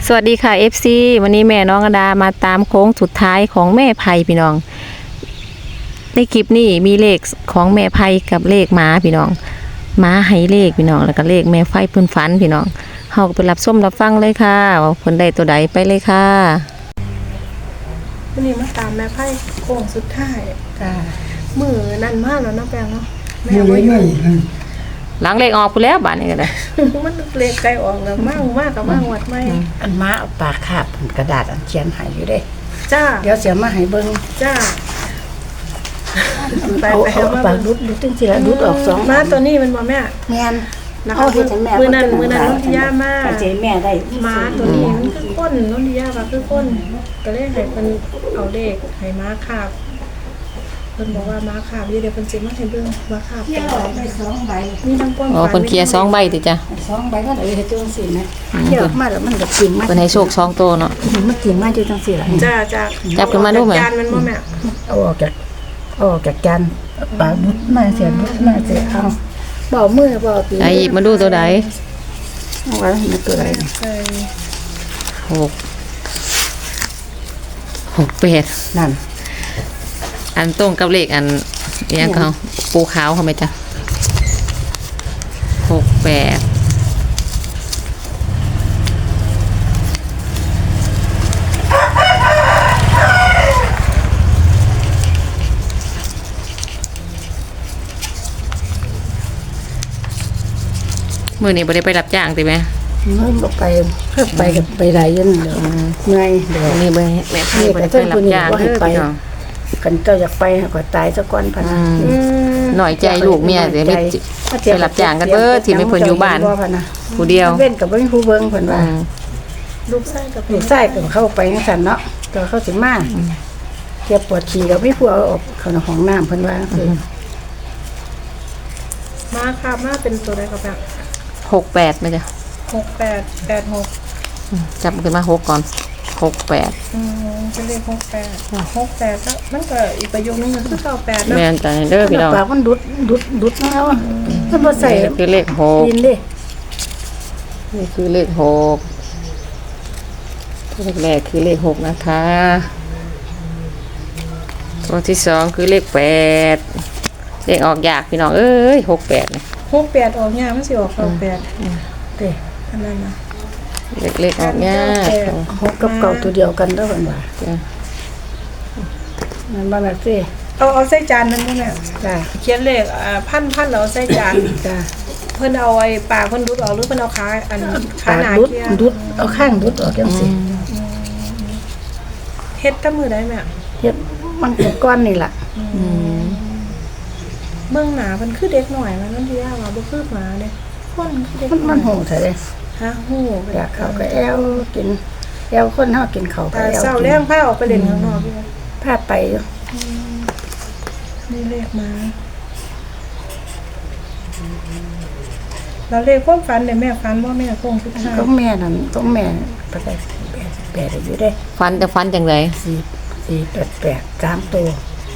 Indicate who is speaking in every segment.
Speaker 1: สวัสดีค่ะ FC วันนี้แม่น้องอดามาตามโค้งสุดท้ายของแม่ไพพี่น้องในคลิปนี้มีเลขของแม่ไพกับเลขหมาพี่น้องหมาให้เลขพี่น้องแล้วก็เลขแม่ไฟเพิ่นฝันพี่น้องเฮาก็ไปรับส้มรับฟังเลยค่ะว่าเพิ่นได้ตัวใดไปเลยค่ะ
Speaker 2: วันนี้มาตามแม่ไพ่โค้งสุดท้ายจ้ามือนั่นมากแล้วนะแปลงเนาะแม่ว่าอยู่
Speaker 1: หลังเลขออกพุ่นแล้วบาดนี้ก็ได้
Speaker 2: มันเลขไกลออกแล้วมากกับมากวัดไม่
Speaker 3: อันม้าเอาปากคาบกระดาษอันเขียนให้อยู่เด้
Speaker 2: จ้า
Speaker 3: เดี๋ยวเสียมาให้เบิ่ง
Speaker 2: จ้าไป
Speaker 3: เอา
Speaker 2: ไป
Speaker 3: เอา
Speaker 2: มา
Speaker 3: ปากดุดจังซี่ละดุดออกสอง
Speaker 2: มาตัวนี้มันบ่แม่
Speaker 3: แม่น
Speaker 2: นะคะ
Speaker 3: เอาเฮ็ดให้แม่
Speaker 2: มือนั้นนนทิยามา
Speaker 3: ปัจเจแม่ได้
Speaker 2: ม้าตัวนี้มันคือก้นนนทิยาว่าคือก้นก็เลยให้เพิ่นเอาเลขให้ม้าคาบเพิ่นบอกว่าม้าคาบเดี๋ยวเพิ่นสิมาให้เบิ่งม้าคาบ
Speaker 3: เขียนออกได้2ใบ
Speaker 2: มีทั้งก้น
Speaker 1: อ๋อเพิ่นเคลียร์2ใบติจ้ะ
Speaker 3: 2ใบก็ได้เฮ็ดจังซี่นะเขียนออกมาแล้วมันก็กินมา
Speaker 1: เพิ่นให้โชค2ตัวเนาะ
Speaker 3: มันกินมาอยู่จังซี่ล่ะ
Speaker 2: จ้า
Speaker 1: จับขึ้นมาดูไหม
Speaker 2: จานมันบ่แม่
Speaker 3: เอาออกจากจานปากดุดมาเสียดุดมาเสียเอาบ่มือบ่ตี
Speaker 1: ไอ้หยิบมาดูตัวใด
Speaker 3: เอาไว้มันตัวใดนี่
Speaker 2: ใส่
Speaker 1: 6
Speaker 3: นั่น
Speaker 1: อันตรงกับเลขอันเอียงเขาปูขาวเขาไหมจ๊ะ68มื้อนี้บ่ได้ไปรับจ้างติแม่
Speaker 3: เงินบ่ไปเพิ่มไปกับไปได้ยันเดี๋ยวเหนื่อยเดี๋ยว
Speaker 1: มื้อนี้บ่แม่ไผบ่ได้ไปรับจ้างเด้อพี่น้อง
Speaker 3: กันเจ้าอยากไปก็ตายซะก่อนพะนะ
Speaker 1: หน่อยใจลูกเมียเดี๋ยวไปรับจ้างกันเบิดที่ไม่เพิ่นอยู่บ้านผู้เดียว
Speaker 3: เว้นกับบ่มีผู้เบิ่งเพิ่นว่า
Speaker 2: ลูกไส้กับ
Speaker 3: ลูกชายก็เข้าไปจังซั่นเนาะก็เข้าสิมาเจ็บปวดฉี่ก็มีผู้เอาออกเข้าในห้องน้ำเพิ่นว่าคือ
Speaker 2: มาค่ะมาเป็นตัวใดกับแบบ
Speaker 1: 68มั้ยจ๊ะ
Speaker 2: 6886
Speaker 1: จับขึ้นมา6ก่อน68
Speaker 2: เป็นเลข68ก็มันก็อีกประโยคนึงก็คือ98เนาะ
Speaker 1: แม่นจ้ะเด้อพี่น้อง
Speaker 3: ปากมันดุดแล้วอะมันบ่ใส่
Speaker 1: นี่คือเลข
Speaker 3: ดินเด้
Speaker 1: 6นี่คือเลข6ตัวแรกคือเลข6นะคะตัวที่2คือเลข8เลขออกยากพี่น้องเอ้ย68นี่
Speaker 2: 68ออกยากมันสิออก98
Speaker 3: เด้
Speaker 2: อันนั้นนะ
Speaker 1: เลขออกยาก
Speaker 3: หกกับเก่าตัวเดียวกันเด้อเพิ่นว่า
Speaker 1: จ้ะ
Speaker 3: มันบ่แม่นสิ
Speaker 2: เอาใส่จานนั้นบ่แม่
Speaker 3: จ้า
Speaker 2: เขียนเลขพันแล้วเอาใส่จาน
Speaker 3: จ้า
Speaker 2: เพิ่นเอาไอ้ปากเพิ่นดุดออกหรือเพิ่นเอาขาอันขา
Speaker 3: ปาก
Speaker 2: หนา
Speaker 3: ดุด
Speaker 2: เคีย
Speaker 3: ดุดเอาข้างดุดออกจังซี่
Speaker 2: เฮ็ดกับมือได้แม่
Speaker 3: เฮ็ดมันเป็นก้อนนี่ล่ะ
Speaker 2: เบื้องหน้าเพิ่นคือเด็กหน่อยมันนั่นที่ว่าบ่คือหมาเด้คนคือเด็ก
Speaker 3: มันโหเถอะเด้
Speaker 2: ฮะฮู้
Speaker 3: อยากเข้าก็แอวกินแอวคนเฮากินข้าวก็
Speaker 2: ตา
Speaker 3: แอว
Speaker 2: เศร้า
Speaker 3: กิ
Speaker 2: แล้
Speaker 3: น
Speaker 2: งพาออกไปเล่นข้างนอกพี่
Speaker 3: พาไปอยู่
Speaker 2: นี่เลขมาแล้วเลขความฝันเนี่ยแม่ฝันว่าแม่คงสุดท้าย
Speaker 3: ก็แม่นั่นก็แม่ไปได้แปดอยู่ได้
Speaker 1: ฟันจังได๋
Speaker 3: 488 3ตัว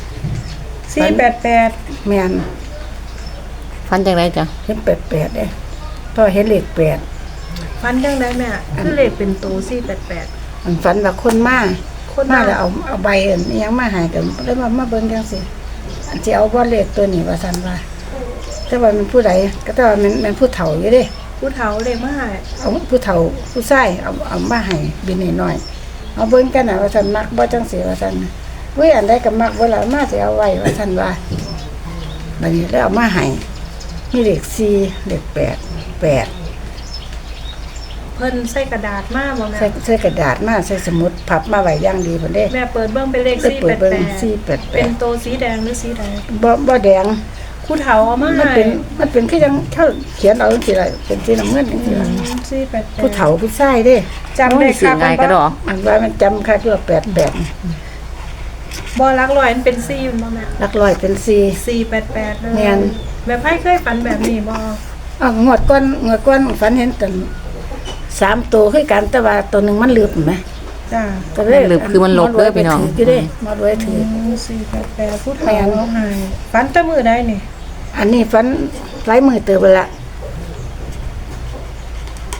Speaker 2: 488
Speaker 3: แม่น
Speaker 1: ฟันจังไดจ้ะ
Speaker 3: เห็น88เด้พอเห็นเลข8
Speaker 2: ฝันจังไดแม่คือเลขเป็นโต488
Speaker 3: มันฝันว่าคนมา
Speaker 2: คน
Speaker 3: มา
Speaker 2: มา
Speaker 3: แล้วเอาใบอันอิหยังมาให้กันเลยมาเบิ่งจังซี่อันสิเอาบ่เลขตัวนี้ว่าซั่นว่าแต่ว่ามันผู้ใดก็แต่ว่ามันผู้เฒ่าอยู่เด้
Speaker 2: ผู้เฒ่าเลขมาให้
Speaker 3: เอาผู้เฒ่าผู้ชายเอามาให้บินน้อยๆเอาเบิ่งกันน่ะว่าซั่นมักบ่จังซี่ว่าซั่นเว้ยอันใดก็มักบ่ล่ะมาสิเอาไว้ว่าซั่นว่าบัดนี้แล้วเอามาให้มีเลข4เลข8 8
Speaker 2: เพิ่นใส่กระดาษมาบ่แม่
Speaker 3: ใส่กระดาษมาใส่สมุดพับมาไว้อย่างดีพุ่นเด้
Speaker 2: แม่เปิดเบิ่งเป็นเลข
Speaker 3: ได้เปิดเบิ่ง
Speaker 2: 488เป็น
Speaker 3: 488
Speaker 2: โตสีแดงหรือสีแดง
Speaker 3: บ่แดง
Speaker 2: ผู้เฒ่าเอามา
Speaker 3: มัน
Speaker 2: ให้
Speaker 3: เป็นคือจังเขาเขียนเอาจังซี่ล่ะเป็นสีน้ำเงินจังซี่ล่ะ
Speaker 2: 488
Speaker 3: ผู้เฒ่าผู้ชายเด้
Speaker 2: จำได้
Speaker 1: สิ
Speaker 2: ค่ะ
Speaker 1: ง่ายก็ดอก
Speaker 3: อันว่ามันจำค่าตัว88
Speaker 2: บ่รักร้อยมันเป็น4อยู่บ่แม่
Speaker 3: หลักร้อยเป็น4
Speaker 2: 488เลย
Speaker 3: แม่น
Speaker 2: แม่ไผเคยฝันแบบนี้บ่
Speaker 3: งวดก้อนฝันเห็นตัน3ตัวคือกันแต่ว่าตัวหนึงมันลืมไหม
Speaker 2: จ้า
Speaker 3: ก็เลย
Speaker 1: ลืมคือมันลบเด้อพี่น้อง
Speaker 3: ถือยู่เด้มาด้วยถือ
Speaker 2: 488ผู้เฒ่าเอาให้ฝันแต่มื้อใดนี่
Speaker 3: อันนี้ฝันหลายมือเติบไปละ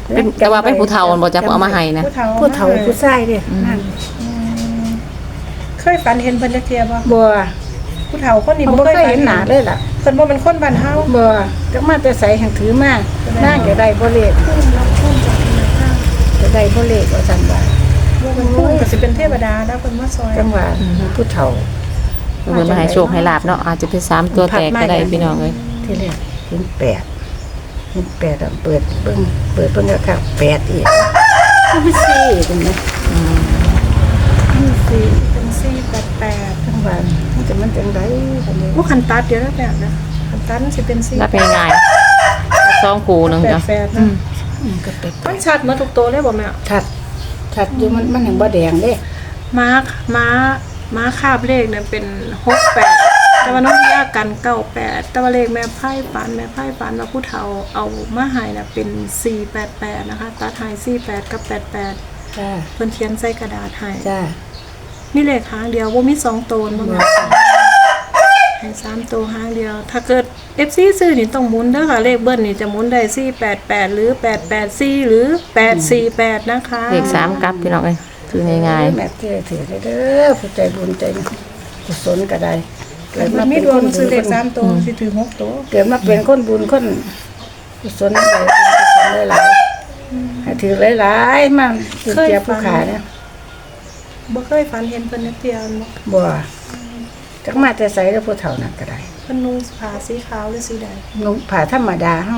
Speaker 1: เป็นแต่ว่าเป็นผู้เฒ่าบ่จะเอามาให้นะ
Speaker 2: ผู้เฒ่า
Speaker 3: ผู้เฒ่าผู้ชายเด้นั่น
Speaker 2: เคยฝันเห็นเพิ่นจักเที่ยบ่
Speaker 3: บ่
Speaker 2: ผู้เฒ่าคนนี้
Speaker 3: บ่
Speaker 2: บ่
Speaker 3: เค
Speaker 2: เค
Speaker 3: ย
Speaker 2: ย
Speaker 3: เห็
Speaker 2: เห็
Speaker 3: น
Speaker 2: น
Speaker 3: ห
Speaker 2: ห
Speaker 3: น้า
Speaker 2: น้า
Speaker 3: เลยล่ะ
Speaker 2: เพิ่นบ่เป็นคนบ้านเฮา
Speaker 3: บ่จักมาแต่ไสแห่งถือมานั่งก็ได้บ่เลข
Speaker 2: พุ่มรับพุ่มจากธนาคาร
Speaker 3: ก็ได้บ่เลขว่าซั่นว่า
Speaker 2: บ่เป็นพุ่มก็สิเป็นเทวดาแล้วเพิ่นมาซอย
Speaker 3: จังว่าผู้เฒ่า
Speaker 1: เพิ่นมาให้โชคให้ลาบเนาะอาจจะเป็น3ตัวแตกก็ได้พี่น้องเอ้ย
Speaker 3: ที่แรกเห็น8เห็น8อะเปิดเบิ่งก็คัก8อีกมันมี4ตรงนี้มี4
Speaker 2: เป็น488
Speaker 3: จังว่ามันจังได๋บัดนี้
Speaker 2: บ่คันตัดเดี๋ยวแล้วแบบนะคันตัดมันสิเป็น4
Speaker 1: รับง่ายๆ2คู่นึงจ้ะ
Speaker 2: 88นะ
Speaker 3: ก็เป็ด
Speaker 2: มันชัดหมดทุกตัวเลยบ่แม่
Speaker 3: ชัดอยู่มันยังบ่แดงเด้
Speaker 2: ม้าคาบเลขเนี่ยเป็น68แต่ว่าน้องยากกัน98แต่ว่าเลขแม่ไพ่ฝันว่าผู้เฒ่าเอามาให้น่ะเป็น488นะคะตัดให้48กับ88
Speaker 3: จ้า
Speaker 2: เพิ่นเขียนใส่กระดาษให้
Speaker 3: จ้า
Speaker 2: มีเลขหางเดียวบ่มี2ตัวบ่แม่ให้3ตัวหางเดียว ถ้าเกิด FC ซื้อนี่ต้องหมุนเด้อค่ะเลขเบิ้ลนี่จะหมุนได้488หรือ884หรือ848นะคะ
Speaker 1: เลข3กลับพี่น้องเอ้ยคือง่าย
Speaker 3: แม่เจ้ถือเด้อผู้ใจบุญใจกุศลก็ได้
Speaker 2: เกิดมามีดวงซื้อเลข3ตัวสิถือ6ตัว
Speaker 3: เกิดมาเป็นคนบุญคนกุศลได้กุศลหลายๆให้ถือหลายๆมาถือเจียผู้ขาเนี่ย
Speaker 2: บ่เคยฝันเห็นเพิ่นนักเที่ยวบ่
Speaker 3: บ่จักมาแต่ใส่แล้วผู้เฒ่านั่นก็ได้
Speaker 2: เพิ่นนุ่งผ้าสีขาวหรือสีแดง
Speaker 3: นุ่งผ้าธรรมดาเฮา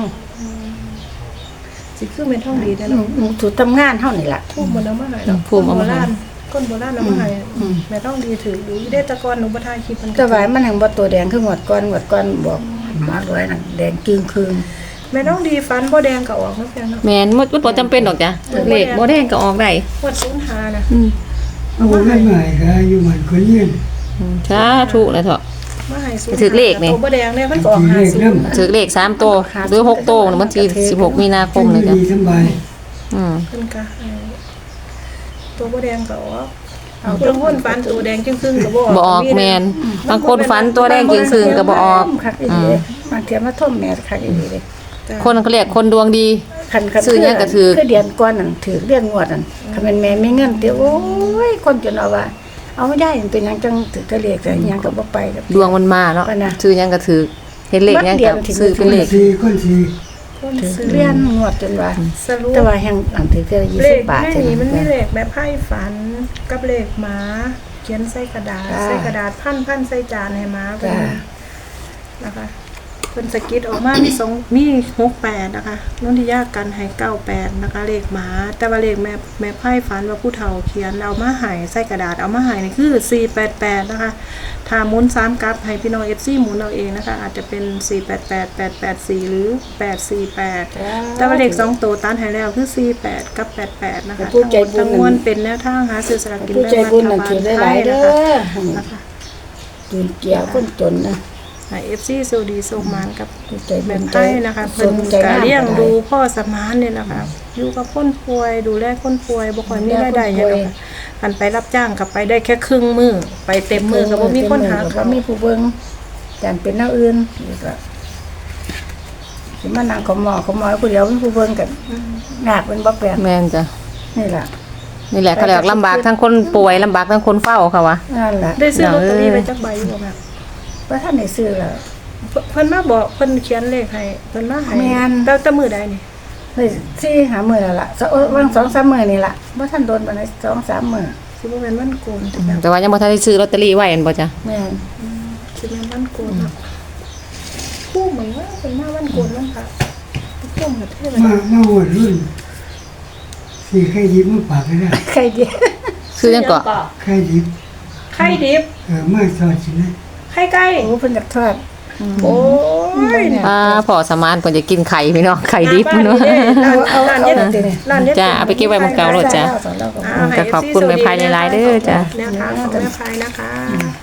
Speaker 2: สิคือเป็นท่องดีแต่
Speaker 3: นุ่
Speaker 2: เนาะ
Speaker 3: งถูกทำงานเฮานี่ล่ะ
Speaker 2: ทูบบ่นำมาให้ดอกคนโบราณเอามาให้แม่ต้องดีถือดูได้แตะกอนหนูบ่ทายคลิปมัน
Speaker 3: แต่ว่ามันยังบ่ตัวแดงคือหวดก่อนบอกหมอรวยน่ะแดงจึงคืน
Speaker 2: แม่ต้องดีฟันบ่แดงก็ออกเนาะเพียงเนาะ
Speaker 1: ๆแม่นมันบ่จำเป็นดอกจ้ะเลขบ่แดงก็ออกได้
Speaker 2: ปวด05น่ะ
Speaker 4: เอาคนนั้นใหม่ก็อยู่เหมือนคนยืน
Speaker 1: สาธุเลยเถอะ
Speaker 2: มาให้05
Speaker 1: ถือเลขนี่
Speaker 2: ตัวบ่แดงเนี่ยมันก็ออก
Speaker 4: ถือเลขนำ
Speaker 1: ถือเลข3ตัวหรือ6ตัวมันที่16มีนาคมเลยจ้ะ
Speaker 4: ดีสบาย
Speaker 2: เพิ่นก็ให้ตัวบ่แดงก็ออกเอาตัวคนฟันตัวแดงจึงครึ่งก็บ่ออก
Speaker 1: บ่ออกแม่นบางคนฝันตัวแดงจึงคืนก็บ่ออก
Speaker 3: คักอีหลีเด้บางเทียมาท่มแม่คักอีหลีเด้
Speaker 1: คนเขาเรียกคนดวงดี
Speaker 3: คัน
Speaker 1: ซื้อหยังก็ถือ
Speaker 3: คือเดือนก่อนนั่นถือเดือนงวดนั่นคันแม่นแม่มีเงินเตียวโอ้ยคนจนเอาว่าเอาไม่ได้มันเป็นหยังจังถือทะเลขแต่หยังก็บ่ไปกับ
Speaker 1: ดวงมันมาเนาะ
Speaker 3: ว่านะ
Speaker 1: ซื้อหยังก็ถือเห็นเลขหยังก็ซื้อเป็นเลข
Speaker 4: คนสี่
Speaker 2: คน
Speaker 3: ถือ
Speaker 2: ซื้อ
Speaker 3: เดือนงวดจนว่า
Speaker 2: สรุป
Speaker 3: แต่ว่าแห่งอันถือเท่า
Speaker 2: เลข
Speaker 3: 20บาท
Speaker 2: แม่
Speaker 3: เท่า
Speaker 2: นี่มันมี
Speaker 3: นั้น
Speaker 2: เลขแบบไพ่ฝันกับเลขหมาเขียนใส่กระดาษ
Speaker 3: จ้า
Speaker 2: ใส่กระดาษพันใส่จานให้หมาเป็น
Speaker 3: จ้า
Speaker 2: นะคะเพิ่นสกิดออกมามี68นะคะนนทิยากันให้98นะคะเลขหมา แต่ว่าเลขแม่ไพ่ฝันว่าผู้เฒ่าเขียนเอามาให้ใส่กระดาษเอามาให้นี่คือ488นะคะถ้าหมุน3กลับให้พี่น้อง FC หมุนเอาเองนะคะอาจจะเป็น488 884หรือ848แต่ว่าเลข2ตัวตันให้แล้วคือ48กับ88นะคะ
Speaker 3: ผู้ใจบุญ
Speaker 2: ทั้งมวลเป็นแนวทางหาซื้อสลากกิน
Speaker 3: ผู้
Speaker 2: แบ่ง
Speaker 3: ใจ
Speaker 2: รั
Speaker 3: บุญ
Speaker 2: ฐ
Speaker 3: นั่น
Speaker 2: บา
Speaker 3: ถื
Speaker 2: ล
Speaker 3: อ
Speaker 2: ไท
Speaker 3: หลาย
Speaker 2: ย
Speaker 3: ๆเด้
Speaker 2: นะคะ
Speaker 3: อจุนเกี่ยวคนจนนะ
Speaker 2: ให้ FC โซดีโซมานกับ
Speaker 3: ผู้ใจบุ
Speaker 2: แม่
Speaker 3: ญ
Speaker 2: ไพ่นะคะเพิ่น
Speaker 3: ใจ
Speaker 2: ก็
Speaker 3: งาม
Speaker 2: เลี้ยง
Speaker 3: ก็ไ
Speaker 2: ดูพ่อสมานเนี่ยนะคะอยู่กับคนป่วยดูแลคนป่วยบ่ค่อยมีรายได้หยังหรอกค่ะคันไปรับจ้างก็ไปได้แค่ครึ่งมื้อไปเต็มมื้อก็บ่มีคนหา
Speaker 3: บ่
Speaker 2: เขาว
Speaker 3: มีผู้เบิ่งจานเป็นแนวอื่นอีกละสิมานั่งขอหมอผู้เดียวมีผู้เบิ่งกันยากเป็นบ่แปลก
Speaker 1: แม่นจ้ะ
Speaker 3: นี่ล่ะ
Speaker 1: นี่แหละเขาเรียกลำบากทั้งคนป่วยลำบากทั้งคนเฝ้าค่ะวะ
Speaker 3: นั่นล่ะ
Speaker 2: ได้ซื้อลอตเตอรี่ไปจักใบอยู่บ่แม่
Speaker 3: บ่ทันได้ซื้อแล้ว
Speaker 2: เพิ่นมาบอกเพิ่นเขียนเลขให้เพิ่นมาให้
Speaker 3: แม่น
Speaker 2: แต่มื้อใดนี่
Speaker 3: ได้สี่หามื้อแล้วล่ะวาง 2-3 มื้อนี่ล่ะบ่ทันโดนปานใด2-3 มื้อ
Speaker 2: สิบ่แม่นวันโกนแต่แบบ
Speaker 1: แต่ว่ายังบ่ทันได้ซื้อลอตเตอรี่ไว้อันบ่จ้ะ
Speaker 3: แม่น
Speaker 2: สิแม่นวันโกนเนาะคู่เหมือนว่าเพิ่นมาวันโกนวันพระพุ่มกับเทวดา
Speaker 4: มาหวดรุ่นสี่ไข่ดิบมาปากเลยนะ
Speaker 3: ใครดี
Speaker 1: ซื้อยังเกาะ
Speaker 4: ไข่ดิบ
Speaker 2: ไข่ดิบ
Speaker 4: มาสอดสินะ
Speaker 2: ไข่ไก่
Speaker 3: โอ้เพิ่นอยากทอด
Speaker 2: โอ้ย
Speaker 1: พ่อสมานเพิ่นจะกินไข่พี่น้องไข่ดิบ
Speaker 2: หน้า
Speaker 1: เนาะ
Speaker 2: บ้านนี่เด้ร้านเย็ดร้านเย็ด
Speaker 1: จ้ะเอาไปเก็บไว้หม้องเก่าโลดจ้ะ
Speaker 2: ให้
Speaker 1: ขอบคุณแม่พายหลายๆเด้อจ้ะ
Speaker 2: แนวทางของแม่พายนะคะ